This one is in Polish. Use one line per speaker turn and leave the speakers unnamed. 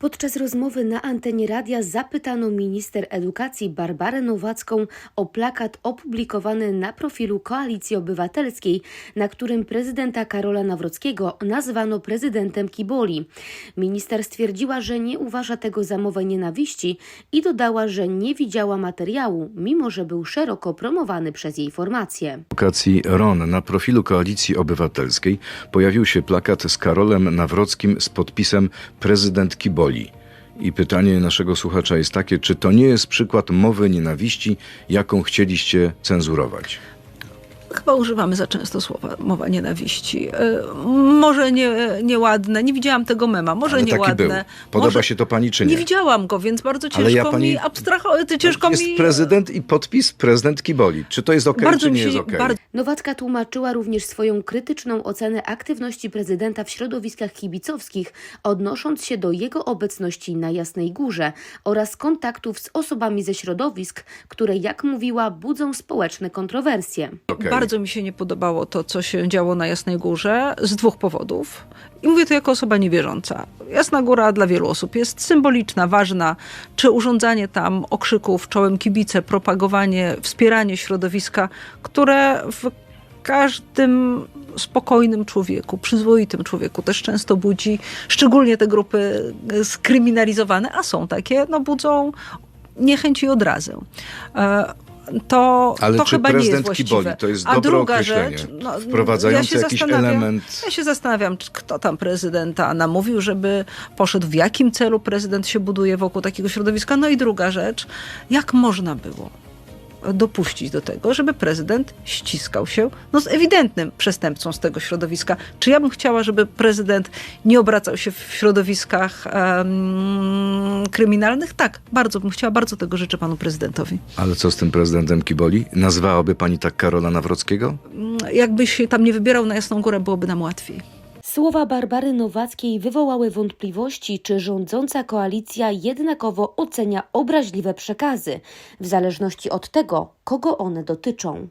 Podczas rozmowy na antenie radia zapytano minister edukacji Barbarę Nowacką o plakat opublikowany na profilu Koalicji Obywatelskiej, na którym prezydenta Karola Nawrockiego nazwano prezydentem kiboli. Minister stwierdziła, że nie uważa tego za mowę nienawiści i dodała, że nie widziała materiału, mimo że był szeroko promowany przez jej formację.
Edukacji RON na profilu Koalicji Obywatelskiej pojawił się plakat z Karolem Nawrockim z podpisem prezydent kiboli. I pytanie naszego słuchacza jest takie, czy to nie jest przykład mowy nienawiści, jaką chcieliście cenzurować?
Chyba używamy za często słowa mowa nienawiści. Może nieładne, nie widziałam tego mema, może
Ale
nieładne.
taki był. Podoba się to pani czy nie?
Nie widziałam go, więc bardzo ciężko mi abstrahować.
Jest prezydent i podpis prezydent kiboli. Czy to jest okej, czy nie jest okej?
Nowacka tłumaczyła również swoją krytyczną ocenę aktywności prezydenta w środowiskach kibicowskich, odnosząc się do jego obecności na Jasnej Górze oraz kontaktów z osobami ze środowisk, które, jak mówiła, budzą społeczne kontrowersje.
Bardzo mi się nie podobało to, co się działo na Jasnej Górze z dwóch powodów. I mówię to jako osoba niewierząca. Jasna Góra dla wielu osób jest symboliczna, ważna. Czy urządzanie tam okrzyków czołem kibice, propagowanie, wspieranie środowiska, które w każdym spokojnym człowieku, przyzwoitym człowieku też często budzi, szczególnie te grupy skryminalizowane, a są takie, budzą niechęć i odrazę. To chyba nie jest właściwe.
Kiboli, to jest dobre określenie, wprowadzające jakiś element.
Ja się zastanawiam, kto tam prezydenta namówił, żeby poszedł, w jakim celu prezydent się buduje wokół takiego środowiska. No i druga rzecz, jak można było dopuścić do tego, żeby prezydent ściskał się z ewidentnym przestępcą z tego środowiska. Czy ja bym chciała, żeby prezydent nie obracał się w środowiskach kryminalnych? Tak, bardzo bym chciała, bardzo tego życzę panu prezydentowi.
Ale co z tym prezydentem kiboli? Nazwałaby pani tak Karola Nawrockiego?
Jakbyś się tam nie wybierał na Jasną Górę, byłoby nam łatwiej.
Słowa Barbary Nowackiej wywołały wątpliwości, czy rządząca koalicja jednakowo ocenia obraźliwe przekazy, w zależności od tego, kogo one dotyczą.